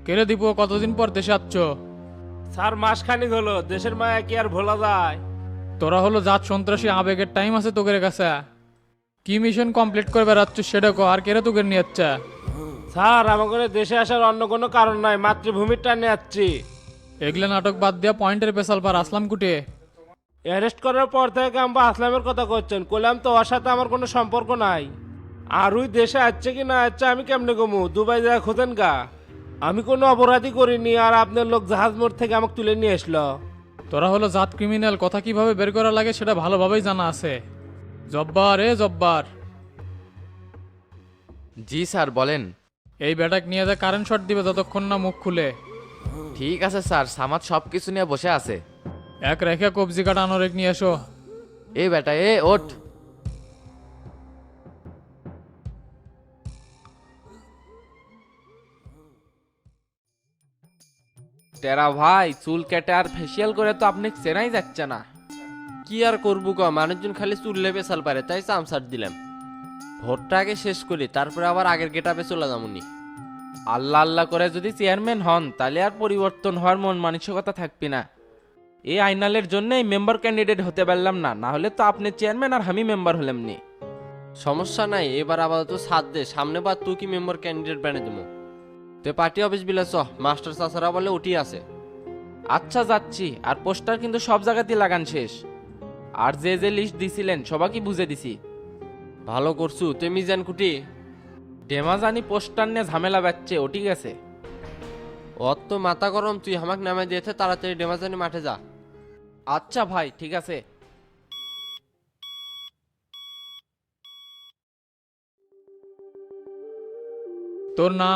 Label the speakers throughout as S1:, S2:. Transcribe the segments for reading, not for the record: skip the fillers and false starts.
S1: কেড়ে দিব কতদিন পর দেশে আসছ?
S2: স্যার মাসখানিক হলো, দেশের মায়া কি আর ভোলা যায়?
S1: তোরা হলো জাত সন্ত্রাসী, আবেগের টাইম আছে তোদের কাছে? কি মিশন কমপ্লিট করে বেড়াচ্ছ সেটা কো, আর কেড়ে তোকে নিয়ে যাচ্ছে?
S2: স্যার আমাকে দেশে আসার অন্য কোনো কারণ নাই, মাতৃভূমির টানে যাচ্ছি।
S1: এগুলা নাটক বাদ দিয়া পয়েন্টের পেশাল পার আসলাম কুটে।
S2: অ্যারেস্ট করার পর থেকে আমরা আসলামের কথা করছেন, কইলাম তো ওর সাথে আমার কোনো সম্পর্ক নাই। আর ওই দেশে আসছে কি না আসছে আমি কেমনে কমু? দুবাই যায় খোঁজেন গা। আমি কোনো অপরাধী করিনি, আর আপনার লোক জাহাজ মোড় থেকে আমাকে তুলে নিয়ে আসলো।
S1: তোরা হলো জাত ক্রিমিনাল, কথা কিভাবে বের করা লাগে সেটা ভালোভাবেই জানা আছে। জব্বার এ জব্বার,
S3: জি স্যার বলেন।
S1: এই ব্যাটাক নিয়ে যা কারেন্ট শট দিবে যতক্ষণ না মুখ খুলে।
S3: ঠিক আছে স্যার, সামাদ সব কিছু নিয়ে বসে আছে।
S1: এক রেখে কবজি কাটা আনোরেক নিয়ে এসো।
S3: এই বেটা এ ওঠ।
S4: টেরা ভাই, চুল কেটে আর ফেসিয়াল করে তো আপনি চেনাই যাচ্ছে না। কি আর করবো ক, মানুষজন খালি চুল লেপে সাল পারে, তাই চামচাট দিলাম। ভোটটা আগে শেষ করি, তারপরে আবার আগের গেটাপে চলে যাবনি। আল্লাহ আল্লাহ করে যদি চেয়ারম্যান হন, তাহলে আর পরিবর্তন হওয়ার মন মানসিকতা থাকবি না। এই আইনালের জন্যই মেম্বার ক্যান্ডিডেট হতে পারলাম না, না হলে তো আপনি চেয়ারম্যান আর আমি মেম্বার হলাম নি। সমস্যা নাই, এবার আপাতত সাথ দে, সামনে বার তুই কি মেম্বার ক্যান্ডিডেট বানিয়ে দেবো। তে পার্টি অফিস বিলে চ, মাস্টার চাচারা বলে উঠি আছে। আচ্ছা যাচ্ছি, আর পোস্টার কিন্তু সব জায়গাতেই লাগান শেষ। আর যে যে লিস্ট দিছিলেন সবাইকে বুঝে দিছি। ভালো করছু, তে মিজান কুটি ডেমাজানি পোস্টার নিয়ে ঝামেলা বাচ্চে, ও ঠিক আছে। অত তো মাথা গরম, তুই আমাকে নামে দিয়েছে, তাড়াতাড়ি ডেমাজানি মাঠে যা। আচ্ছা ভাই ঠিক আছে।
S1: তোর নাম?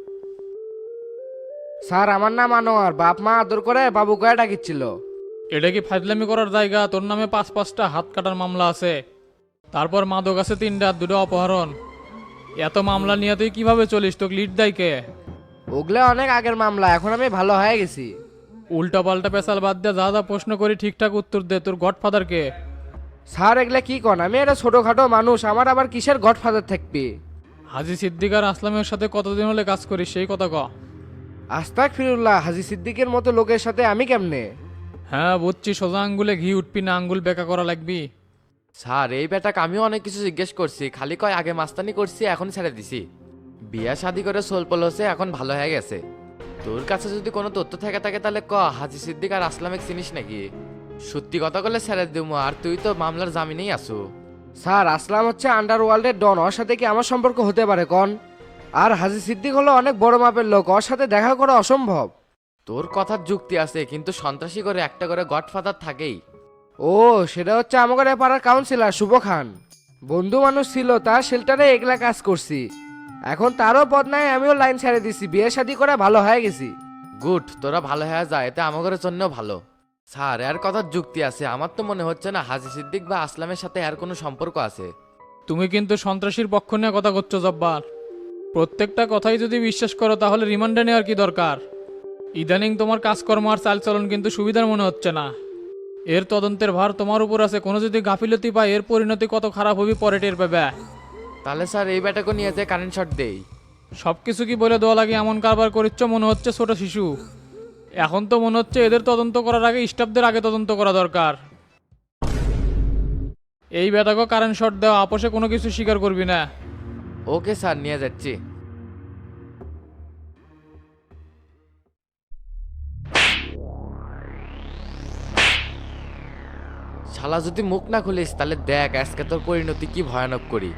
S5: স্যার আমার নাম আনোয়ার, বাপ মা আদর করে বাবু কয়ে ডাকিচ্ছিল।
S1: এটা কি ফাজলামি করার জায়গা? তোর নামে 5-5টা হাত কাটার মামলা আছে, তারপর মাদক আছে 3টা, 2টা অপহরণ। এত মামলা নিয়ে তুই কিভাবে চলিস? তোকে লিড দেয় কে?
S5: ওগুলো অনেক আগের মামলা, এখন আমি ভালো হয়ে গেছি।
S1: উল্টা পাল্টা পেশাল বাদ দিয়ে যা যা প্রশ্ন করি ঠিকঠাক উত্তর দে। তোর গডফাদার কে?
S5: স্যার এগুলা কি কন, আমি একটা ছোটখাটো মানুষ, আমার আবার কিসের গডফাদার থাকবে?
S1: হাজি সিদ্দিকার আসলামের সাথে কতদিন হলে কাজ করিস সেই কথা ক।
S5: আস্তাক ফিরুল্লাহ, হাজি সিদ্দিকের মতো লোকের সাথে আমি কেমনে?
S1: হ্যাঁ বুঝছি, সোজা আঙ্গুলে ঘি উঠবি না, আঙ্গুল বেঁকা করা লাগবি।
S3: স্যার এই বেটাকে আমিও অনেক কিছু জিজ্ঞেস করছি, খালি কয় আগে মাস্তানি করছি এখন ছেড়ে দিছি। বিয়া শাদি করে সোলপল হচ্ছে, এখন ভালো হয়ে গেছে। তোর কাছে যদি কোনো তথ্য থেকে থাকে তাহলে ক, হাজি সিদ্দিক আর আসলামেক চিনিস নাকি? সত্যি কথা বলে ছেড়ে দিবো, আর তুই তো মামলার জামিনেই আছো।
S5: স্যার আসলাম হচ্ছে আন্ডারওয়ার্ল্ডের ডন, ওর সাথে কি আমার সম্পর্ক হতে পারে কন? আর হাজি সিদ্দিক হলো অনেক বড় মাপের লোক, ওর সাথে দেখা করা অসম্ভব।
S3: তোর কথার যুক্তি আছে, কিন্তু সন্ত্রাসী করে একটা করে গডফাদার থাকেই।
S5: ও, সেটা হচ্ছে আমাদের এ পাড়ার কাউন্সিলর শুভ খান। বন্ধু মানুষ ছিল, তার শেল্টারে এগুলা কাজ করছি। এখন তারও পদ নাই, আমিও লাইন ছেড়ে দিছি, বিয়ে শাদী করে ভালো হয়ে গেছি।
S3: গুড, তোরা ভালো হয়ে যায়, এতে আমাদের জন্য ভালো। স্যার এর কথার যুক্তি আছে, আমার তো মনে হচ্ছে না হাজি সিদ্দিক বা আসলামের সাথে এর কোনো সম্পর্ক আছে।
S1: তুমি কিন্তু সন্ত্রাসীর পক্ষ নিয়ে কথা করছো জব্বার। প্রত্যেকটা কথাই যদি বিশ্বাস করো তাহলে রিমান্ডে নেওয়ার কি দরকার? ইদানিং তোমার কাজকর্ম আর চালচলন কিন্তু সুবিধার মনে হচ্ছে না। এর তদন্তের ভার তোমার উপর আছে, কোনো যদি গাফিলতি পায় এর পরিণতি কত খারাপ হবে পরে টের পাবে।
S3: তাহলে স্যার এই ব্যাটাকে নিয়ে যে কারেন্ট শট দেই।
S1: সব কিছু কি বলে দেওয়া লাগে? এমন কারবার করিচ্ছ মনে হচ্ছে ছোট শিশু। এখন তো মনে হচ্ছে এদের তদন্ত করার আগে স্টাফদের আগে তদন্ত করা দরকার। এই বেটাকে কারেন্ট শট দেওয়া, আপোষে কোনো কিছু স্বীকার করবি না।
S3: ওকে স্যার, নিয়ে যাচ্ছি। শালা যদি মুখ না খুলিস তাহলে দেখ আজকে তোর পরিণতি কি ভয়ানক করি।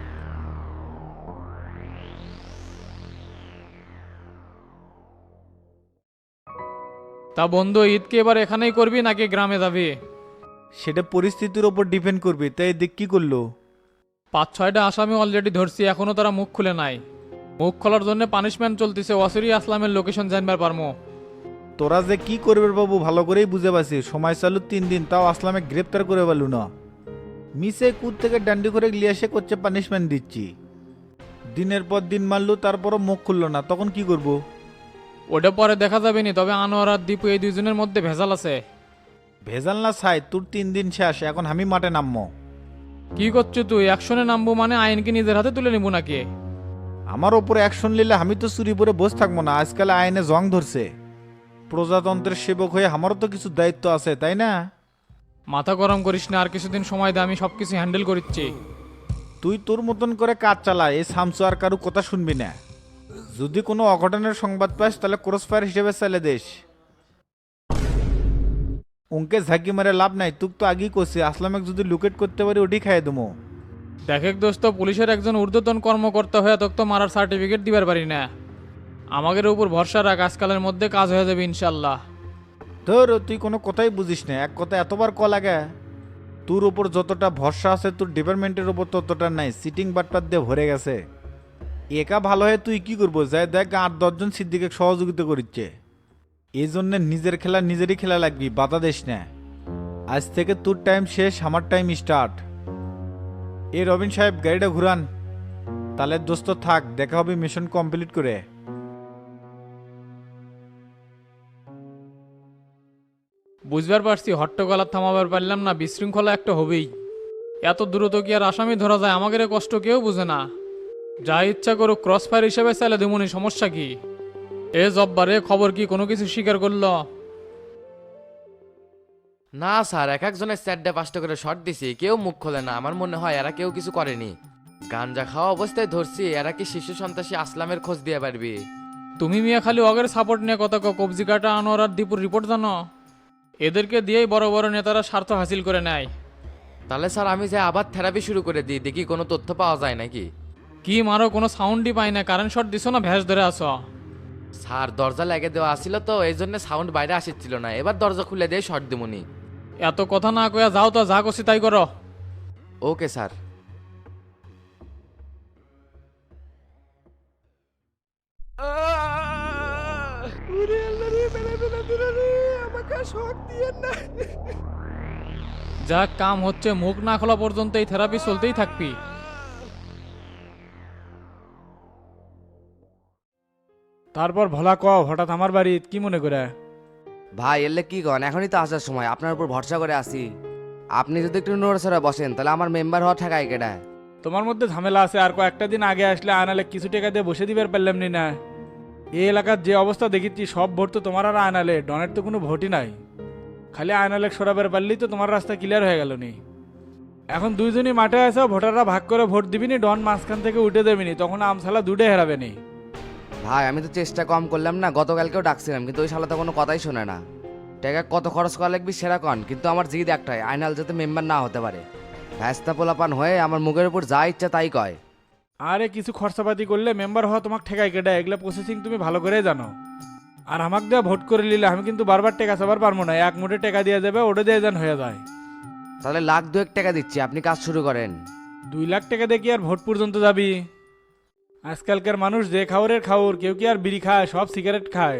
S1: তা বন্ধু, ঈদকে এবার এখানেই করবি নাকি গ্রামে যাবি?
S6: সেটা পরিস্থিতির ওপর ডিপেন্ড করবে, তাই দেখ কি করলো।
S1: 5-6টা আসামি অলরেডি ধরছি, এখনো তারা মুখ খুলে নাই। মুখ খোলার জন্য পানিশমেন্ট চলতেছে, ওয়াসিরি আসলামের লোকেশন জানবার পারমো।
S6: তোরা যে কি করবে বাবু ভালো করেই বুঝে পাচ্ছি, সময় চালু 3 দিন, তাও আসলামে গ্রেপ্তার করে পারলু না। মিসে কুদ থেকে ডান্ডি করে লিয়ে এসে করছে পানিশমেন্ট দিচ্ছি। দিনের পর দিন মারলু, তারপরও মুখ খুললো না, তখন কি করব?
S1: ওটা পরে দেখা যাবে নি, তবে আনোয়ার আর দীপু এই দুইজনের মধ্যে ভেজাল আছে।
S6: ভেজাল না ছাই, তোর 3 দিন শেষ, এখন আমি মাঠে নামবো।
S1: কি করছো তুই? অ্যাকশনে নামবো মানে আইনকে নিজের হাতে তুলে নিবো নাকি?
S6: আমার ওপর অ্যাকশন নিলে আমি তো চুরি পরে বসে থাকবো না, আজকাল আইনে জং ধরছে। প্রজাতন্ত্রের সেবক হয়ে আমারও তো কিছু দায়িত্ব আছে, তাই না?
S1: মাথা গরম করিস না, আর কিছুদিন সময় দে, আমি সব কিছু হ্যান্ডেল করছি।
S6: তুই তোর মতন করে কাজ চালা, এই সামসু আর কারু কথা শুনবি না। যদি কোনো অঘটনের সংবাদ পাস তাহলে ক্রস ফায়ার হিসেবে চালে দেশ। উনকে ঝাঁকি মারে লাভ নাই, তুক তো আগেই করছি, আসলামক যদি লুকেট করতে পারি ওটি খাইয়ে দেবো।
S1: দেখেক দোস্ত, পুলিশের একজন ঊর্ধ্বতন কর্মকর্তা হয়ে তোকে তো মারার সার্টিফিকেট দিবার পারি না। আমাদের উপর ভরসা রাখ, আজকালের মধ্যে কাজ হয়ে যাবে ইনশাল্লাহ।
S6: ধর তুই কোনো কথাই বুঝিস না, এক কথা এতবার ক লাগে। তোর উপর যতটা ভরসা আছে তোর ডিপার্টমেন্টের উপর ততটা নাই, সিটিং বাটপাত দিয়ে ভরে গেছে। একা ভালো হয়ে তুই কি করবো, যাই দেখ 8-10 জন সিদ্দিকে সহযোগিতা করিচ্ছে। এই জন্য নিজের খেলা নিজেরই খেলা লাগবি, বাধা দিস না। আজ থেকে তোর টাইম শেষ, আমার টাইম স্টার্ট। এ রবিন সাহেব গাড়িটা ঘুরান। তাহলে দোস্ত থাক, দেখা হবে মিশন কমপ্লিট করে।
S1: বুঝবার পারছি, হট্টগোলা থামাবার পারলাম না, বিশৃঙ্খলা একটা হবেই। এত দ্রুত কি আর আসামি ধরা যায়? আমাদের এ কষ্ট কেউ বুঝে না। যা ইচ্ছা করুক, ক্রস ফায়ার হিসেবে চাইলে দেমনি, সমস্যা কি? এ জব্বারে খবর কি, কোনো কিছু স্বীকার করলো?
S3: না স্যার, এক একজনের 4-5টা করে শট দিছি, কেউ মুখ খোলে না। আমার মনে হয় এরা কেউ কিছু করেনি। গাঞ্জা খাওয়া অবস্থায় ধরছি, এরা কি শিশু সন্ত্রাসী আসলামের খোঁজ দিয়ে পারবি?
S1: তুমি মিয়া খালি অগের সাপোর্ট নিয়ে কথা কও, কবজি কাটা আনোয়ার আর দীপুর রিপোর্ট জানো? এদেরকে দিয়েই বড় বড় নেতারা স্বার্থ হাসিল করে নেয়।
S3: তাহলে স্যার আমি যে আবার থেরাপি শুরু করে দিই, দেখি কোনো তথ্য পাওয়া যায় নাকি।
S1: কি মারো, কোনো সাউন্ডই পাই না। কারেন্ট শট দিছো না ভ্যাস ধরে আসো?
S3: স্যার দরজা লেগে দেওয়া আসছিল তো, এই জন্য সাউন্ড বাইরে আসছিল না। এবার দরজা খুলে দিয়ে শট দিমুনি।
S1: এত কথা না কয়া যাও তো, যা করছি তাই করো।
S3: Okay sir.
S1: যা কাম হচ্ছে, মুখ না খোলা পর্যন্ত এই থেরাপি চলতেই থাকবি।
S7: তারপর ভোলা কও, হঠাৎ আমার বাড়ি কি মনে করে?
S8: ভাই এলে কি কন, এখনই তো আসার সময়, আপনার উপর ভরসা করে আসি। আপনি যদি একটু নড়াচড়া বসেন তাহলে আমার মেম্বার হওয়া ঠেকায় কেডা?
S7: তোমার মধ্যে ঝামেলা আছে, আর কয়েকটা দিন আগে আসলে আয়নালে কিছু টাকা দিয়ে বসে দিবার পারলাম নি না। এই এলাকার যে অবস্থা দেখেছি, সব ভোট তো তোমার আর আয়নালে, ডনের তো কোনো ভোটই নাই। খালি আয়নালে সরাবার পারলেই তো তোমার রাস্তা ক্লিয়ার হয়ে গেল নি। এখন দুইজনই মাঠে আছে, ভোটাররা ভাগ করে ভোট দিবিনি, ডন মাঝখান থেকে উঠে দেবিনি, তখন আমসালা দুটে হেরাবে নি।
S8: ভাই আমি তো চেষ্টা কম করলাম না, গতকালকেও ডাকছিলাম, কিন্তু ওই শালা তো কোনো কথাই শোনে না। টাকা কত খরচ করা লাগবে সেরা কন, কিন্তু আমার জিদ একটাই, আয়নাল যাতে মেম্বার না হতে পারে। ভ্যাস্তা পোলাপান হয়ে আমার মুখের উপর যা ইচ্ছা তাই কয়।
S7: আরে কিছু খরচাপাতি করলে মেম্বার হওয়া তোমাকে ঠেকায় কেডা? এগুলা প্রসেসিং তুমি ভালো করে জানো। আর আমাকে দেওয়া ভোট করে নিলে আমি কিন্তু বারবার টাকা চাবার পারবো না, এক মুঠে টাকা দিয়ে যাবে, ওটা দিয়ে যান হয়ে যায়।
S8: তাহলে 1,02,000 টাকা দিচ্ছি, আপনি কাজ শুরু করেন।
S7: 2 লাখ টাকা দিয়ে কি আর ভোট পর্যন্ত যাবি? আজকালকার মানুষ যে খাওয়ারের খাওয়ার, কেউ কি আর বিড়ি খায়, সব সিগারেট খায়।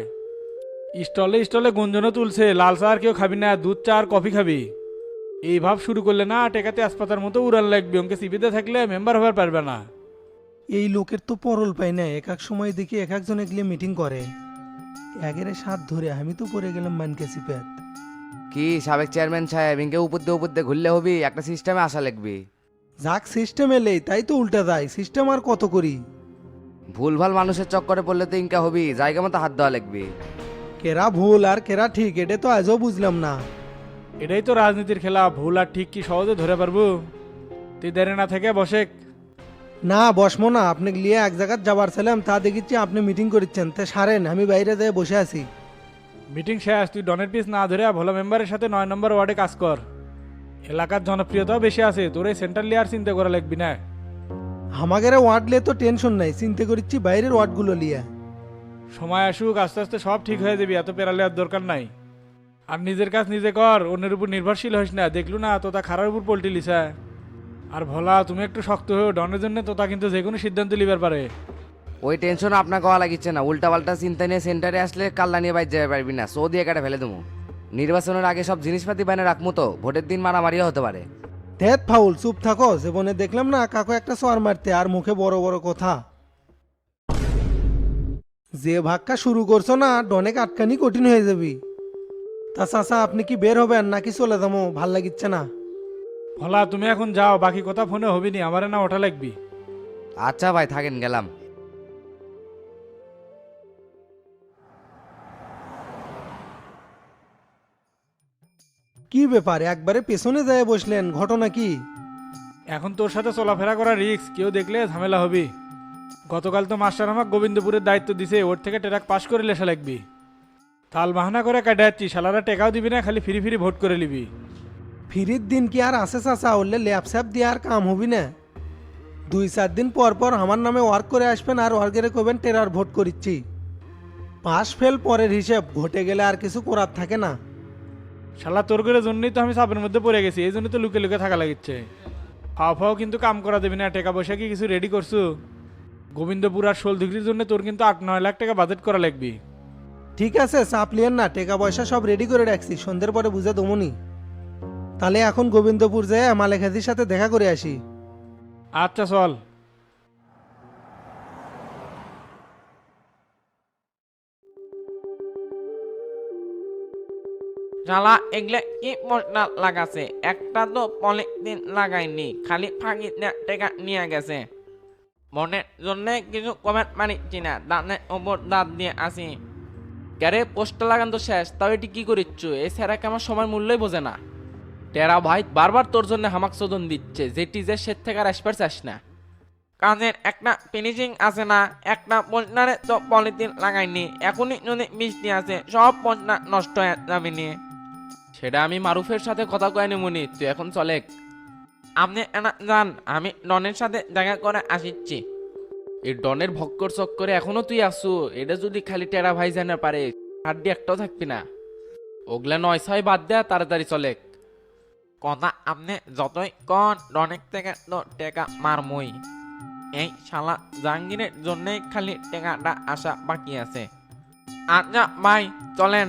S7: স্টলে স্টলে গুঞ্জনও তুলছে, লাল চা আর কেউ খাবি না, দুধ চা আর কফি খাবি। এই ভাব শুরু করলে না, টেকাতে আসপাতার মতো উড়ান লাগবে, ওকে সিপিতে থাকলে মেম্বার হবার পারবে না।
S9: এই লোকের তো পরল পাই না, এক এক সময় দেখি এক একজন এগুলো মিটিং করে। একেরে সাত ধরে আমি তো পড়ে গেলাম মানকে সিপ্যাত।
S8: কি সাবেক চেয়ারম্যান সাহেব, ইনকে উপর দিয়ে ঘুরলে হবি, একটা সিস্টেমে আসা লাগবে।
S9: যাক সিস্টেম এলেই তাই তো উল্টা যায়, সিস্টেম আর কত করি।
S8: ভুলভাল মানুষের চক্করে পড়লে তো ইনকা হবি, জায়গা মতো হাত দেওয়া লাগবে।
S9: কেরা ভুল আর কেরা ঠিক, এটা তো আজও বুঝলাম না।
S7: এটাই তো রাজনীতির খেলা, ভুল আর ঠিক কি সহজে ধরে পারবো? তুই দেরে না থেকে বসে।
S9: না বসমো না, আপনি লিয়ে এক জায়গায় যাবার ছিলাম, তা দেখিচ্ছি আপনি মিটিং করছেন, তা সারেন, আমি বাইরে যেয়ে বসে আছি।
S7: মিটিং শেষ, তুই ডনের পিস না ধরে ভালো মেম্বারের সাথে 9 নম্বর ওয়ার্ডে কাজ কর। এলাকার জনপ্রিয়তাও বেশি আছে, তোর এই সেন্ট্রাল লেয়ার চিন্তা করা লাগবি না।
S9: আমাদের ওয়ার্ড লিয়ে তো টেনশন নাই, চিন্তা করছি বাইরের ওয়ার্ডগুলো লিয়ে।
S7: সময় আসুক, আস্তে আস্তে সব ঠিক হয়ে যাবি, এত পেরালে আর দরকার নাই। আর নিজের কাজ নিজে কর, অন্যের উপর নির্ভরশীল হইস না। দেখলু না তোতা খারার উপর পল্টি লিসা। আর ভোলা তুমি একটু শক্ত হয়েও, ডনের জন্য তোতা কিন্তু যে কোনো সিদ্ধান্ত লিবার পারে।
S8: ওই টেনশন আপনাকে হওয়া লাগিচ্ছে না, উল্টা পাল্টা চিন্তা নিয়ে সেন্টারে আসলে কাল্লা নিয়ে বাইর যেতে পারবি না, সো দিয়ে কেটে ফেলে দেবো। নির্বাচনের আগে সব জিনিসপাতি বাইনে রাখবো তো, ভোটের দিন মারামারিও হতে পারে।
S9: ধ্যাত ফাউল, চুপ থাকো। জীবনে দেখলাম না কাকু একটা সর মারতে, আর মুখে বড় বড় কথা। যে ভাগটা শুরু করছো না, ডনেক আটকানি কঠিন হয়ে যাবি। তা চাচা আপনি কি বের হবেন নাকি চলে যাবো? ভাল লাগিচ্ছে না।
S7: ভোলা তুমি এখন যাও, বাকি কথা ফোনে হবি নি, আমারে না ওঠা লাগবি।
S8: আচ্ছা ভাই থাকেন, গেলাম।
S9: কি ব্যাপার একবারে পেছনে যায় বসলেন, ঘটনা কি?
S7: এখন তোর সাথে চলাফেরা করা রিস্ক, কেউ দেখলে ঝামেলা হবি। গতকাল তো মাস্টার আমাকে গোবিন্দপুরের দায়িত্ব দিছে, ওর থেকে ট্রাক পাস করে লেসা লাগবি। তাল বাহানা করে কাটা যাচ্ছি, শালারা টেকাও দিবি না, খালি ফ্রি ফ্রি ভোট করে নিবি।
S9: ফিরির দিন কি আর আসে চাচা? উঠলে ল্যাপস্যাপ দিয়ে আর কাম হবি না। 2-4 দিন পর পর আমার নামে ওয়ার্ক করে আসবেন আর ওয়ার্কেরে কবেন টেরার ভোট করিচ্ছি। পাস ফেল পরের হিসেব, ভোটে গেলে আর কিছু করার থাকে না।
S7: শালা তোর করে জন্যই তো আমি চাপের মধ্যে পড়ে গেছি, এই জন্য তো লুকে লুকে থাকা লাগিচ্ছে। ফাও ফাও কিন্তু কাম করা দেবি না, টাকা পয়সা কি কিছু রেডি করছু? গোবিন্দপুর আর 16 ডিগ্রির জন্য তোর কিন্তু 8-9 লাখ টাকা বাজেট করা লাগবে।
S9: ঠিক আছে, চাপ লিয়েন না, টাকা পয়সা সব রেডি করে রাখছি, সন্ধ্যের পরে বুঝে দমনি। তাহলে এখন গোবিন্দপুর যেয়ে মালেক হাজির সাথে দেখা করে আসি।
S7: আচ্ছা চল।
S4: শালা এগুলা কি মশলা লাগাছে, একটা তো পলিথিন লাগায়নি, খালি ফাঁকি টেকা নিয়ে গেছে। মনের জন্য কিছু কমেন্ট মারিচ্ছি না, দাঁতের ওপর দাঁত দিয়ে আসি। ক্যারে পোস্টটা লাগান তো শেষ, তাও এটি কি করিচ্ছ? এই স্যারাকে আমার সময় মূল্যই বোঝে না। টেরা ভাই বারবার তোর জন্য হামাক চোদন দিচ্ছে, যেটি যে সে থেকে আর আসবার চাস না। কাজের একটা ফিনিশিং আছে না, একটা পোস্টারে তো পলিথিন লাগাইনি, এখনই যদি মিষ্টি আছে সব পোস্টার নষ্ট হয়ে যাবে নিয়ে। সেটা আমি মারুফের সাথে কথা কয়নি মনি, তুই এখন চলে। আপনি জান আমি ডনের সাথে দেখা করে আসিচ্ছি। এই ডনের ভক্কর চক্করে এখনো তুই আসু, এটা যদি খালি টেরা ভাই জানা পারে হাড্ডি একটাও থাকবি না। ওগুলা 9-6 বাদ দেয়া, তাড়াতাড়ি চলে। কথা আপনি যতই কন, ডনের থেকে তো টেকা মারমই। এই শালা জাহাঙ্গীরের জন্যই খালি টেকাটা আসা বাকি আছে। আচ্ছা ভাই চলেন।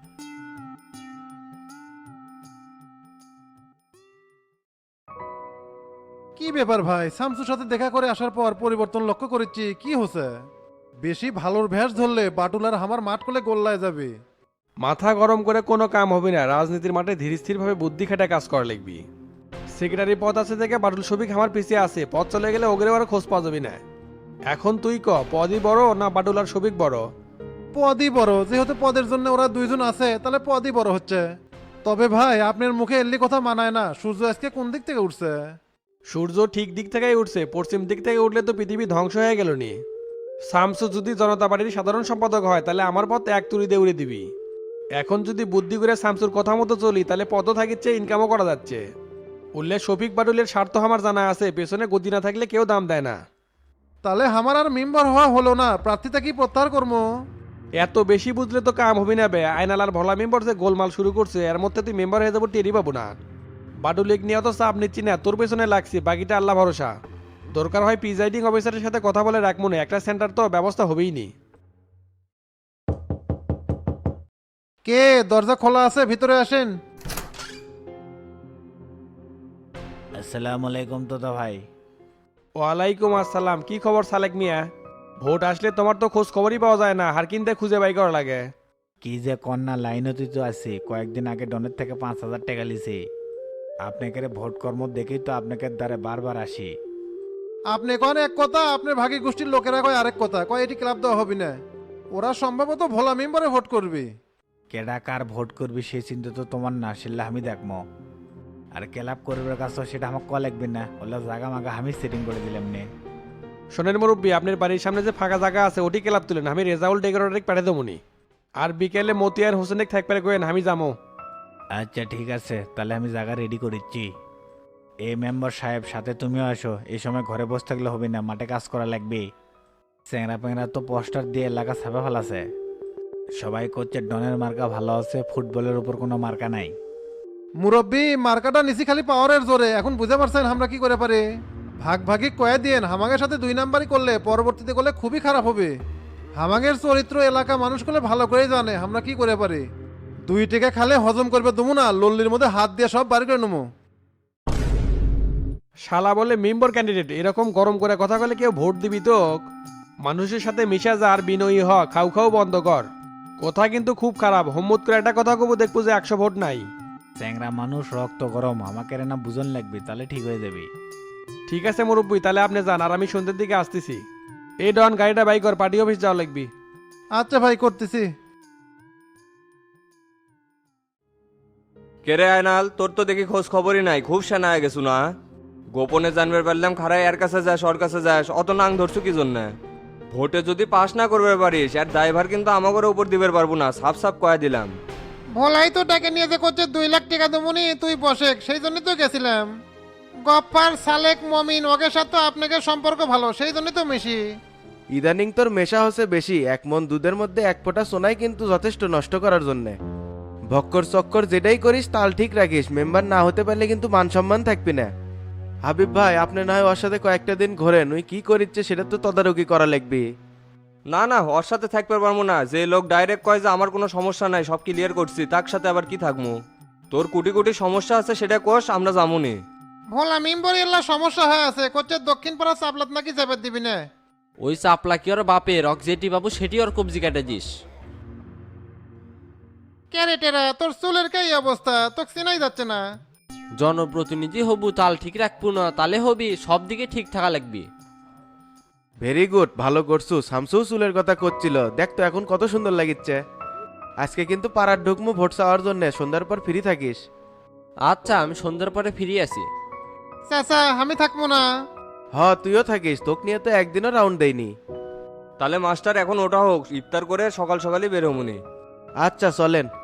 S10: কি ব্যাপার ভাই, শামসুর সাথে দেখা করে আসার পর পরিবর্তন লক্ষ্য করেছি, কি হচ্ছে? বেশি ভালোর ভ্যাস ধরলে বাটুল আর আমার মাঠ করলে গোল্লায় যাবে।
S11: মাথা গরম করে কোনো কাম হবে না, রাজনীতির মাঠে ধীর স্থিরভাবে বুদ্ধি খাটা কাজ করা লাগবি। সেক্রেটারি পদ আছে থেকে বাটুল শফিক আমার পিছিয়ে আছে, পদ চলে গেলে ওগরে আর খোঁজ পাওয়া যাবি না। এখন তুই ক, পদই বড় না বাটুল আর শফিক বড়?
S10: পদই বড়, যেহেতু পদের জন্য ওরা দুইজন আছে তাহলে পদই বড় হচ্ছে। তবে ভাই আপনার মুখে এল্লি কথা মানায় না, সূর্য আজকে কোন দিক থেকে উঠছে?
S11: সূর্য ঠিক দিক থেকেই উঠছে, পশ্চিম দিক থেকে উঠলে তো পৃথিবী ধ্বংস হয়ে গেল নি। শামসু যদি জনতা পার্টির সাধারণ সম্পাদক হয় তাহলে আমার পথ এক তুড়িতে উড়ে দিবি। এখন যদি বুদ্ধি করে শামসুর কথা মতো চলি তাহলে পদও থাকিচ্ছে, ইনকামও করা যাচ্ছে। উল্লে শফিক বাটুলের স্বার্থ আমার জানা আছে, পেছনে গতি না থাকলে কেউ দাম দেয় না।
S10: তাহলে আমার আর মেম্বার হওয়া হলো না, প্রার্থীটা কি প্রত্যাহার করবো?
S11: এত বেশি বুঝলে তো কাম হবি না বে। আয়নাল আর ভোলা মেম্বার যে গোলমাল শুরু করছে, এর মধ্যে তুই মেম্বার হয়ে যাবো টেরি পাবো না। বাটুলিক নিয়ে তো চাপ নিচ্ছি না, তোর পেছনে লাগছি, বাকিটা আল্লাহ ভরসা। দরকার হয় প্রিজাইডিং অফিসারের সাথে কথা বলে রাখবো না, একটা সেন্টার তো ব্যবস্থা হবেই নি।
S10: কে? দরজা খোলা আছে, ভিতরে আসেন।
S6: আসসালামু আলাইকুম তোতা ভাই।
S11: ওয়ালাইকুম আসসালাম, কি খবর সালেক মিয়া? ভোট আসলে তোমার তো খোঁজ খবরই পাওয়া যায় না, হার কিনতে খুঁজে বাই করা লাগে।
S6: কি যে কন্যা লাইনতি তো আছে, কয়েকদিন আগে ডনের থেকে 5,000 টাকা লিছি। আপনাকে ভোট কর্ম দেখেই তো আপনাকে দ্বারে বারবার আসি।
S10: আপনি কন এক কথা, আপনার ভাগী গোষ্ঠীর লোকেরা কয় আরেক কথা, কয় এটি ক্লাব দেওয়া হবে না। ওরা সম্ভবত ভোলা মেম্বারে ভোট করবে।
S6: কেডা কার ভোট করবি সেই চিন্তা তো তোমার না, সেটা আমি দেখবো। আর ক্লাব করবার কাজ সেটা আমার ক লাগবে না, ওলা জাগা মাগা আমি সেটিং করে দিলাম নে।
S11: শোনেন মুরব্বী, আপনার বাড়ির সামনে যে ফাঁকা জায়গা আছে ওটি ক্লাব তুলেন, আমি রেজাউল ডেকোরেটর পাঠিয়ে দেবনি। আর বিকেলে মতিয়ার হোসেনে থাকবে কয়েন, আমি যাবো।
S6: আচ্ছা ঠিক আছে, তাহলে আমি জায়গা রেডি করেছি। এই মেম্বার সাহেব সাথে তুমিও আসো, এই সময় ঘরে বসে থাকলে হবে না, মাঠে কাজ করা লাগবে। চ্যাংরা প্যাংরা তো পোস্টার দিয়ে এলাকা ছাপে ফেলাছে, সবাই করছে ডনের মার্কা ভালো আছে, ফুটবলের উপর কোনো মার্কা নাই।
S10: মুরব্বী, মার্কাটা নিচি খালি পাওয়ারের জোরে, এখন বুঝতে পারছেন আমরা কি করে পারি। ভাগ ভাগি কয়ে দিন, হামাগের সাথে 2 নাম্বারই করলে পরবর্তীতে করলে খুবই খারাপ হবে। হামাগের চরিত্র এলাকা মানুষ করলে ভালো করেই জানে আমরা কি করে পারি। 2 টাকা খালে হজম করবে তুমি না, লল্লির মধ্যে হাত দিয়ে সব বাড়ি করে নেবো।
S11: শালা বলে মেম্বার ক্যান্ডিডেট, এরকম গরম করে কথা বলে কেউ ভোট দিবি তো? মানুষের সাথে মিশা যা আর বিনয়ী হ, খাও খাও বন্ধ কর। কথা কিন্তু খুব খারাপ, হোমমত করে একটা কথা কব, দেখবো যে 100 ভোট নাই।
S6: চ্যাংরা মানুষ, রক্ত গরম, আমাকে না বুঝন লাগবে, তাহলে ঠিক হয়ে যাবে।
S11: ঠিক আছে মুরব্বী, তাহলে আপনি যান, আর আমি সন্ধ্যের দিকে আসতেছি। এই ডন, গাড়িটা বাই কর, পার্টি অফিস যাওয়া লাগবি।
S10: আচ্ছা ভাই, করতেছি।
S12: কেরে আয়নাল, তোর তো দেখি খোঁজ খবরই নাই, খুব সেনা হয়ে গেছু না? গোপনে জানবে পারলাম খারাই এর কাছে যাস ওর কাছে যাস, অত নাং ধরছু কি জন্য? ভোটে যদি পাস না করবে পারিস এর ড্রাইভার কিন্তু আমাকে উপর দিবে পারবো না, সাফ সাফ কয়ে দিলাম।
S10: ভোলাই তো টাকা নিয়ে যে করছে 2 লাখ টাকা দেবনি, তুই বসে সেই জন্যই তো গেছিলাম। গপ্পার সালেক মমিন ওকে সাথে আপনাকে সম্পর্ক ভালো, সেই জন্যই তো মেশি।
S13: ইদানিং তোর মেশা হচ্ছে বেশি, 1 মন দুধের মধ্যে 1 ফোঁটা সোনাই কিন্তু যথেষ্ট নষ্ট করার জন্যে। ভক্কর চক্কর যেটাই করিস তাল ঠিক রাখিস, মেম্বার না হতে পারলে কিন্তু মান সম্মান থাকবি না। হাবিব ভাই, আপনি না হয় ওর সাথে কয়েকটা দিন ঘোরেন, ওই কি করিচ্ছে সেটা তো তদারকি করা লাগবে।
S12: না না, ওর সাথে থাকতে পারবো না। যে লোক ডাইরেক্ট কয় যে আমার কোনো সমস্যা নাই, সব ক্লিয়ার করছি, তার সাথে আবার কি থাকবো? তোর কোটি কোটি সমস্যা আছে সেটা কোষ, আমরা যামুনি।
S10: ভোলা মেম্বর এলা সমস্যা হয়ে আছে, করছে দক্ষিণ পাড়া চাপলাত নাকি যাবে দিবি না।
S4: ওই চাপলা কি ওর বাপের, রক যেটি বাবু সেটি ওর কবজি কেটে দিস।
S10: ক্যারেটেরা তোর চুলের কি অবস্থা, তোকে চেনাই যাচ্ছে না।
S4: জনপ্রতিনিধি হবু, তাল ঠিক রাখবো না, তালে হবি সব দিকে ঠিক থাকা লাগবি।
S13: ভেরি গুড, ভালো করছু। শামসু চুলের কথা করছিল, দেখ তো এখন কত সুন্দর লাগিচ্ছে। আজকে কিন্তু পাড়ার ঢুকমু ভোট চাওয়ার জন্য, সন্ধ্যার পর ফ্রি থাকিস।
S4: আচ্ছা, আমি সন্ধ্যার পরে ফিরে আসি।
S10: চাচা আমি থাকবো না।
S13: তুইও থাকিস, তোকে নিয়ে তো একদিনও রাউন্ড দেয়নি।
S12: তাহলে মাস্টার এখন ওটা হোক, ইফতার করে সকাল সকালই বের হমুনি।
S13: আচ্ছা চলেন।